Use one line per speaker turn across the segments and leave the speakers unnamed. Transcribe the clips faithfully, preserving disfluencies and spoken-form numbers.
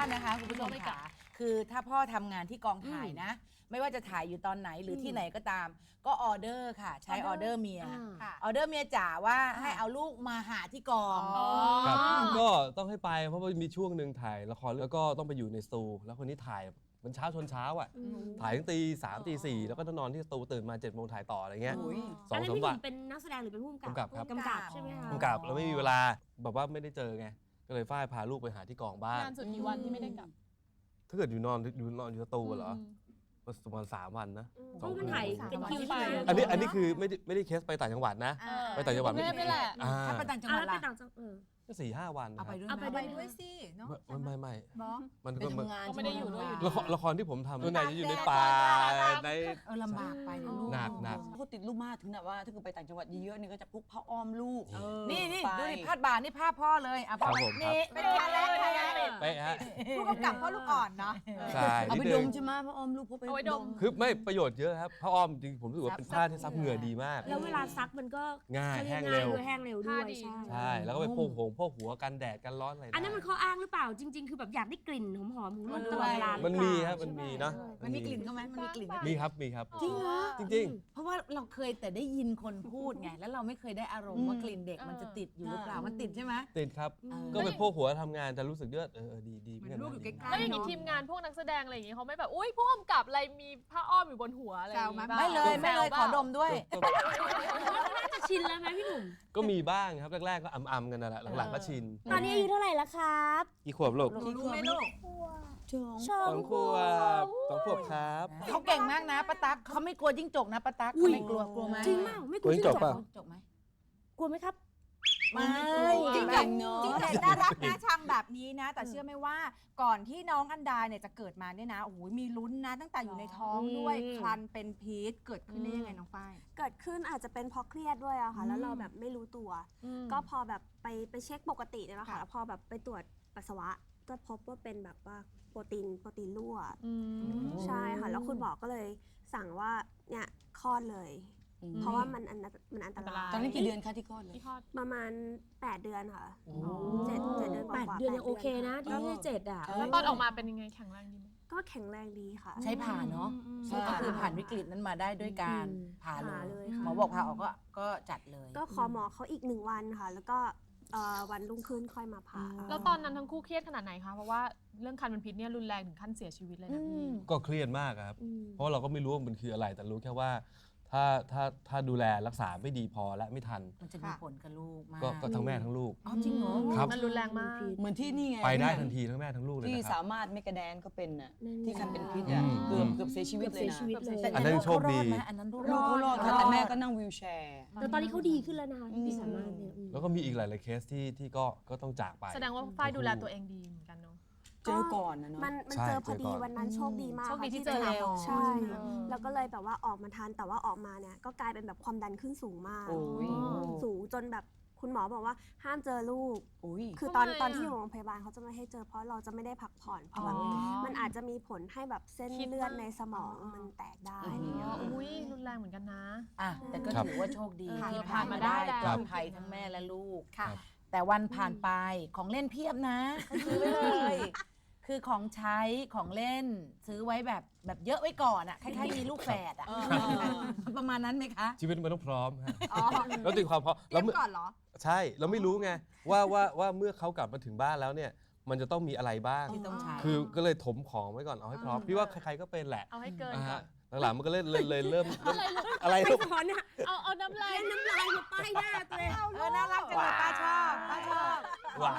นะคะคุณผู้ชมค่ะคือถ้าพ่อทำงานที่กองถ่ายนะไม่ว่าจะถ่ายอยู่ตอนไหนหรือที่ไหนก็ตามก็ออเดอร์ค่ะใช้ออเดอร์เมียออเดอร์เมียจ๋าว่าให้เอาลูกมาหาที่กอง
ครับก็ต้องให้ไปเพราะว่ามีช่วงหนึ่งถ่ายละครแล้วก็ต้องไปอยู่ในสตูแล้วคนนี้ถ่ายมันเช้าชนเช้าอ่ะถ่ายตั้งตีสามตีสี่แล้วก็ต้องนอนที่สตูตื่นมาเจ็ดโมงถ่ายต่ออะไรเงี้ย
สองสามวันเป็นนักแสดงหรือเป็นผู้กำกับ
ครับ
กำกับใช่ไหมคะ
กำกับแล้วไม่มีเวลาแบบว่าไม่ได้เจอไงก็เลยฝ้ายพาลูกไปหาที่กองบ้าน
นานสุดกี่วันที่ไม่ได้กลับ
ถ้าเกิดอยู่นอนอยู่นอนอยู่สตูเหรอประมาณสามวันนะ
เพราะมันถ่ายเป็นคิวใช่ไหม
อันนี้อันนี้คือไม่ได้ไม่ได้เคสไปต่างจังหวัดนะไปต่างจังหวัด
ไม่แหละ
ถ้าไปต่างจังหวัดล่ะ
ก็สี่ห้าวัน
เอาไปด้วย
เอาไป
ด้วยสิ
เนาะไม่ไม่
มัน
ก็ไม่ได้อยู่ด้วยอยู่
ละครละครที่ผมทำส่วนใหญ่จะอยู่ในป่าใน
เออลำบากไปลูก
หนักหนัก
เขาติดลูกมากถึงแบบว่าถ้าเกิดไปต่างจังหวัดเยอะๆนี่ก็จะพกผ้าอ้อมลูก
นี่นี่ดูดิพาดบ่านี่ภาพพ่อเลยอ่ะพ่อ
นี่
เป็นการแรกใคร
เป๊ะฮะ
ผู้กำกับพ่อลูกอ่อนเนาะ
ใช่
เอาไปดมใช่ไหมผ้าอ้อมลูกพกไป
ดม
คือไม่ประโยชน์เยอะครับผ้าอ้อมจริงผมรู้สึกว่าเป็นผ้าที่ซับเหงื่อดีมาก
แล้วเวลาซักมันก็
ง่ายแห้งเร็ว
แห้งเร็วด้วย
ใช่แล้วก็ไปพกหงพกหัวกันแดดกันร้อนอะไร
อันนั้นมันข้ออ้างหรือเปล่าจริงๆคือแบบอยากได้กลิ่นหอมๆของลูกตลอดเวลา
มันมีครับมันมีเนาะ
มันมีกลิ่นก็ไหมมันมีกลิ่น
มีครับมีครับ
จริงเหรอ
จริง
ๆเพราะว่าเราเคยแต่ได้ยินคนพูดไงแล้วเราไม่เคยได้อารมณ์ว่ากลิ่นเด็กมันจะติดอยู่หรือเปล่ามันติดใช่ไหม
ติดครับก็ไปพกหัวทำงานแต่รู้สึกเลือดเออดีดี
เหมือนลูกอยู่ใกล้ๆ
แล้วอย่างนี้ทีมงานพวกนักแสดงอะไรอย่างงี้เขาไม่แบบอุ้ยผู้กำกับอะไรมีผ้าอ้อมอยู่บนหัวอะไรอย่างงี้
ไม่เลยไม่เลยขอดมด้วย
น่าจะชินแล้วไหมพี่หนุ่ม
ก็มีบ้างครับแรกๆก็อ่ำๆกันนั่นแหละหลังๆก็ชิน
ตอนนี้อายุเท่าไหร่แล้วครับ
กี่ขวบลูก
กี่ขวบไม่ลูก
สองขวบสองขวบครับ
เขาเก่งมากนะป้าตั๊กเขาไม่กลัวจิ้งจกนะป้าตั๊กเขาไม่กลัวกลัวไหม
จริงมากไม่กลัวจิ้งจก
ป่ะ
จกไหม
กลัวไหมครับ
ไม่
จริงจริงเนาะ
จริงแต่น่ารักนะชังแบบนี้นะแต่เชื่อไหมว่าก่อนที่น้องอันดาเนี่ยจะเกิดมาเนี่ยนะโอ้โหมีลุ้นนะตั้งแต่อยู่ในท้องด้วยคลันเป็นพีชเกิดขึ้นได้ยังไงน้องฝ้าย
เกิดขึ้นอาจจะเป็นเพราะเครียดด้วยอะค่ะแล้วเราแบบไม่รู้ตัวก็พอแบบไปไปเช็คปกติเนี่ยแหละค่ะแล้วพอแบบไปตรวจปัสสาวะก็พบว่าเป็นแบบว่าโปรตีนโปรตีนรั่วใช่ค่ะแล้วคุณหมอก็เลยสั่งว่าเนี่ยคลอดเลยเพราะว่ามันอันมันอันตราย
ตอนนี้กี่เดือนคะที่คลอดเลย
ประมาณแปดเดือนค่ะเจ็ดเจ็ดเดือนกว่า
แปดเดือนยังโอเคนะที่ไม่เจ็ดอ่ะ
แล้วตอนออกมาเป็นยังไงแข็งแรงดีไหม
ก็แข็งแรงดีค่ะ
ใช้ผ่าเนาะก็คือผ่านวิกฤตนั้นมาได้ด้วยการผ่าเลยหมอบอกผ่าออกก็ก็จัดเลย
ก็ขอหมอเขาอีกหนึ่งวันค่ะแล้วก็วันรุ่งขึ้นค่อยมาผ่า
แล้วตอนนั้นทั้งคู่เครียดขนาดไหนคะเพราะว่าเรื่องคันเป็นพิษเนี่ยรุนแรงถึงขั้นเสียชีวิตเลยนะพี่
ก็เครียดมากครับเพราะเราก็ไม่รู้ว่ามันคืออะไรแต่รู้แค่ว่าถ้าถ้าถ้าดูแลรักษาไม่ดีพอและไม่ทัน
มันจะมีผลกับลูกมาก
ก็ทั้งแม่ทั้งลูก
อ๋อจริงเหรอ
ครับ
มันรุนแรงมาก
เหมือนที่นี่ไง
ไปได้ทันทีทั้งแม่ทั้งลูกเลย
ที่สามารถไม่กระแดนก็เป็นน่ะที่คันเป็นพิษอ่ะเกือบเกือบเสียชีวิตเลยนะ
อันนั้นโชคดี
อันนั้นลูก
เขารอดแต่แม่ก็นั่งวีลแชร์
แต่ตอนนี้เขาดีขึ้นแล้วนะคะพี่สามารถเนี่ย
แล้วก็มีอีกหลายๆเคสที่ที่ก็ก็ต้องจากไป
แสดงว่าฝ้ายดูแลตัวเองดีเหมือนกันเนาะ
เจอก่อนนะเนาะ
มันมันเจอพอดีวันนั้นโชคดีมาก
โชคดีที่เจอเร็ว
ใช่แล้วก็เลยแบบว่าออกมาทันแต่ว่าออกมาเนี่ยก็กลายเป็นแบบความดันขึ้นสูงมากสูงจนแบบคุณหมอบอกว่าห้ามเจอลูกคือตอนตอนที่อยู่โรงพยาบาลเขาจะไม่ให้เจอเพราะเราจะไม่ได้พักผ่อนเพราะมันอาจจะมีผลให้แบบเส้นเลือดในสมองมันแตกได้
อุ้ยรุนแรงเหมือนกันนะ
อ่ะแต่ก็ถือว่าโชคดีที่ผ่านมาได้ปลอดภัยทั้งแม่และลูกค่ะแต่วันผ่านไปของเล่นเพียบนะซื้อไว้เลยคือของใช้ของเล่นซื้อไว้แบบแบบเยอะไว้ก่อนอ่ะคล้ายๆมีลูกแฝดอ่ะประมาณนั้นไหมคะ
ชีวิตมันต้องพร้อมฮะแล้วตีความพร้อม
เราก่อนเหรอ
ใช่เราไม่รู้ไงว่าว่าว่าเมื่อเขากลับมาถึงบ้านแล้วเนี่ยมันจะต้องมีอะไรบ้าง
ที่ต้องใช้
คือก็เลยถมของไว้ก่อนเอาให้พร้อมพี่ว่าใครๆก็เป็นแหละ
เอาให้เกินก่อน
หลังๆมันก็เลยเลยเริ่มอะไร
ลูกเนี่ย
เอาเอาน้ำลาย
น้ำลายมาป้ายหน้าตัวเอง
เออน่ารักจังเลยป้าชอบป้าชอบ
ว้า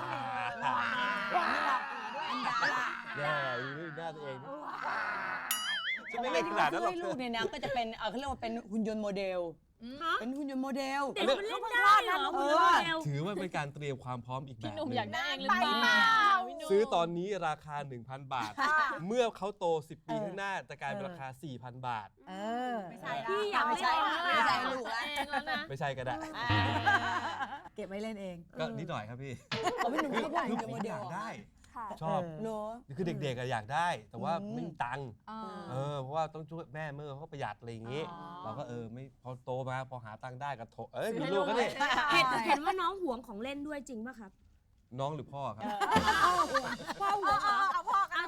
อันดา
แย่ดูหน้าตัวเองจะไม่เล่นขนาดนั้นหรอก
ลูกเนี่ยนะก็จะเป็นเขาเรียกว่าเป็นหุ่นยนต์โมเดลเป็นหุ่นยนต์โมเดล
เด็กมันเล่นได้เหรอหุ่นยนต์โมเดล
ถือว่าเป็นการเตรียมความพร้อมอีกแบบนึง
พี่หนุ่มอยากได้เองหรือเปล่า
ซื้อตอนนี้ราคา หนึ่งพัน บาทเมื่อเขาโตสิบปีข้างหน้าจะกลายเป็นราคา สี่พัน บาท
เออ
ไม่ใช่
พี่อยาก
ไม่ใช่ไม่ใช่ลูก
แล้วนะ
ไม่ใช่ก็ได้
เก็บไว้เล่นเอง
ก็นิดหน่อยครับพี่
เขาไม่หนุ่มเขาบอกหุ่นยนต์โมเดล
ได้ชอบคือเด็กๆอยากได้แต่ว่าไม่มีตังค์เออเพราะว่าต้องช่วยแม่เมื่อเขาประหยัดอะไรอย่างงี้เราก็เออไม่พอโตมาพอหาตังค์ได้ก็โถเอ้ยมีลูกก็นี่
เห็นว่าน้องหวงของเล่นด้วยจริงป่ะครับ
น้องหรือพ่อครับ
พ่อหวง
เอาพ่อ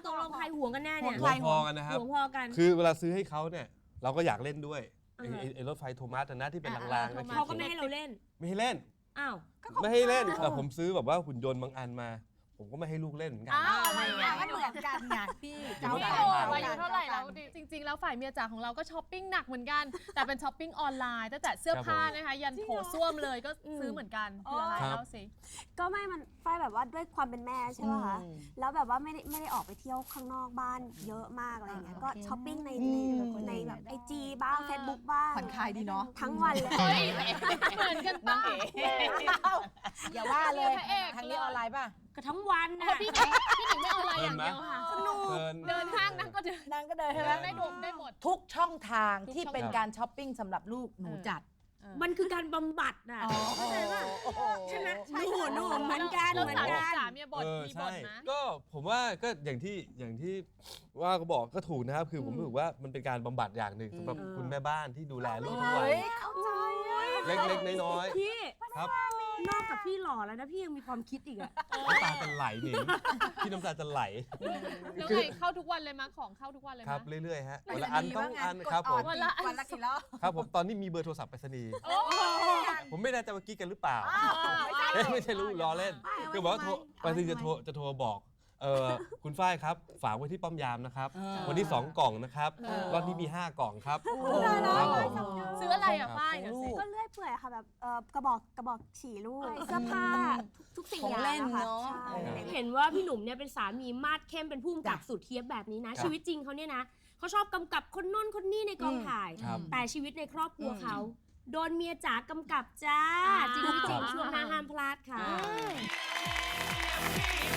ตกลงใครห่วงกันแน่เนี่ย
หัวพอกันนะครับ
ห่วงพอกัน
คือเวลาซื้อให้เขาเนี่ยเราก็อยากเล่นด้วยไอ้ไอ้ไอ้รถไฟโทมัสอะนะที่เป็นรางๆนะ
เขาก็ไม่ให้เราเล่น
ไม่ให้เล่น
อ้าว
ไม่ให้เล่นแต่ผมซื้อแบบว่าหุ่นยนต์บางอันมา ผมก็ไม่ให้ลูกเล่นเหมือนกัน
อ้าวอะไรอ่ะ
ก็เหมือนกันไงพี่
เดี๋ยว
พี่
ไม่
โอ
ได้
อายุเท่าไหร่แล้วจริง ๆ แล้วฝ่ายเมียจ๋าของเราก็ช้อปปิ้งหนักเหมือนกัน แต่เป็นช้อปปิ้งออนไลน์ตั้งแต่เสื้อผ้านะคะยันโถส้วมเลยก็ซื้อเหมือนกันคืออะไรเล่าสิ
ก็ไม่มันฝ้ายแบบว่าด้วยความเป็นแม่ใช่ไหมคะ
อืม
แล้วแบบว่าไม่ได้ไม่ได้ออกไปเที่ยวข้างนอกบ้านเยอะมากอะไรอย่างเงี้ย ก็ช้อปปิ้งในในในแบบไอจีบ้างเฟซบุ๊กบ้าง
ผ่อนคลายดีเนาะ
ทั้งวันเลย
เฮ้ยเหมือนกันป้า
อย่าว่าเลย
พระเอก
ทางนี้ออนไลน์ป่ะ
ก็ทั้งวัน
เพ
นะ
ราะพี่หนิงพี่หนิงไม่เอาอะไรอย่างเดียวค่ะ
เดิน
เดินห้างนั่งก็เดิน
นางก็เดินใช่ไหม
ได้ดมได้หมด
ทุกช่องทางที่
ทุกช่อง
เป็นการช้อปปิ้งสำหรับลูกหนูจัด
มันคือการบำบัดน่ะเข้าใจป่ะใช่ไหมหนูหนูเหมือนกัน
แล้ว
เหมือน
สามี
กัน
จ๋าเมียบ่น
เออ
มีบ่
ใช่
นนะ
ก็ผมว่าก็อย่างที่อย่างที่ว่าก็บอกก็ถูกนะครับ คือผมรู้สึกว่ามันเป็นการบำบัดอย่างหนึ่งสำหรับ
อืม
คุณแม่บ้านที่ดูแลลูกทุกวัน
เฮ้ยเข้าใจอะ
เล็กๆน้อย
พี่
ๆครับ
นอกจากพี่หล่อแล้วนะพี่ยังมีความคิดอีกอะ
น้ำตาจะไหลหนิงพี่น้ำตาจะไหล
แล้วไงเข้าทุกวันเลยมั้ยของเข้าทุกวันเลย
ครั
มั้
บ
ย
เรื่อยๆฮะวันละอันต้องอัน
กด
ครับผม
วันละวันละกี่รอบ
ครับผมตอนนี้มีเบอร์โทรศัพท์ไปรษณีย์
โอ้โห
ผมไม่แน่ใจว่ากิ๊กกันหรือเปล่าเอ๊ะไม่ใช่รู้ล้อเล่นคือบอกว่าโทรไปรษณีย์จะโทรจะโทรบอกเออคุณฝ้ายครับฝากไว้ที่ป้อมยามนะครับ วันนี้สองกล่องนะครับรอบนี้มีห้ากล่องครับครับผม
ซื้ออะไรอ่ะฝ้ายเดี๋ยวสิ
ก็เลื่อยเปื่อยค่ะแบบเอ่อกระบอกกระบอกฉี่ลูกเสื้อผ้าทุกสิ่ง
ของ
อย่าง
เล่น
อะค่ะ
เนอะ
ใช่
เห็นว่าพี่หนุ่มเนี่ยเป็นสามีมาดเข้มเป็นผู้กำกับสุดเทียบแบบนี้นะ ชีวิตจริงเขาเนี่ยนะเขาชอบกำกับคนโน้นคนนี้ในกองถ่าย
ครับ
แต่ชีวิตในครอบครัวเขาโดนเมียจ๋ากำกับจ้า จริงไม่จริงช่วงหน้าห้ามพลาดค่ะ